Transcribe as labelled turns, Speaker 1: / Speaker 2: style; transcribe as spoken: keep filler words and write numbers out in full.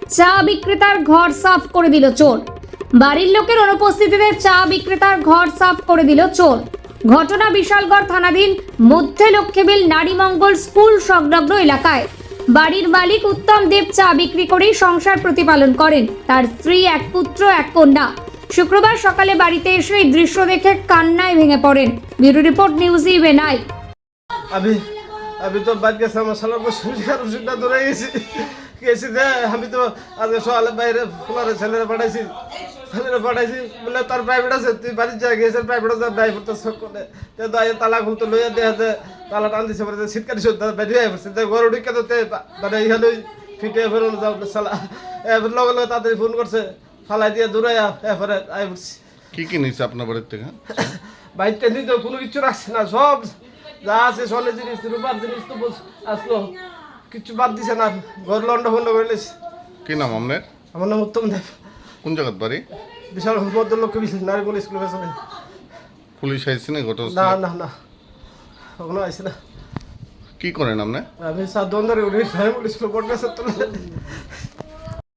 Speaker 1: চা বিক্রেতার ঘর সাফ করে দিল চোর। বাড়ির লোকের অনুপস্থিতিতে চা বিক্রেতার ঘর সাফ করে দিল চোর। ঘটনা বিশালগড় থানাধীন মধ্যে লক্ষ্মীবিল নারীমঙ্গল স্কুল সংলগ্ন এলাকায়। বাড়ির মালিক উত্তম দেব চা বিক্রি করেই সংসার প্রতিপালন করেন। তার স্ত্রী, এক পুত্র, এক কন্যা। শুক্রবার সকালে বাড়িতে এসে এই দৃশ্য দেখে কান্নায় ভেঙে পড়েন। ব্যুরো রিপোর্ট, নিউজ ইভেন আই।
Speaker 2: আমি আমি তো বাদ গেছি, আমার সালার ওষুধটা ধরে গেছি গেছি যে আমি তো আজকে সকালে বাইরে ফোলারে ছেলেরা পাঠাইছি ছেলেরা পাঠাইছি বলে তার প্রাইভেট আছে, তুই বাড়ির যা গেছে প্রাইভেট আছে ড্রাইভার তো শখ করে তালা খুলতে লইয়া দেয়া যে তালা টান দিছে পরে শীতকালি শুদ্ধ বেরিয়ে পড়ছে তো ঘর ঢুকে তো মানে এইখানে ফিটে ফেরোনো যাও সালা এবার লগে লগে তাড়াতাড়ি ফোন করছে, ফালাই দিয়ে দূরাইয়া এরপরে আই পড়ছি।
Speaker 3: কি কি নিচ্ছে আপনার বাড়ির থেকে?
Speaker 2: বাইকটা নিতে কোনো কিছু রাখছে না, সব যা আছে সোনের জিনিস রূপার জিনিস তো আসলো, কিছু বাদ দিছে না, ঘর লন্ড ফন্ড করে নিয়েছে।
Speaker 3: কি নাম আপনার?
Speaker 2: আমার নাম উত্তম দেব।
Speaker 3: কোন জায়গার বাড়ি?
Speaker 2: বিশাল মধ্যলক্ষ্য নারীমঙ্গল স্কুলের পেছনে।
Speaker 3: পুলিশ আইসি না ঘটনা?
Speaker 2: না না না কখনো আইসি না।
Speaker 3: কি করেন আপনি?
Speaker 2: আমি সাত ধরে উঠে নারীমঙ্গল স্কুলে পড়তে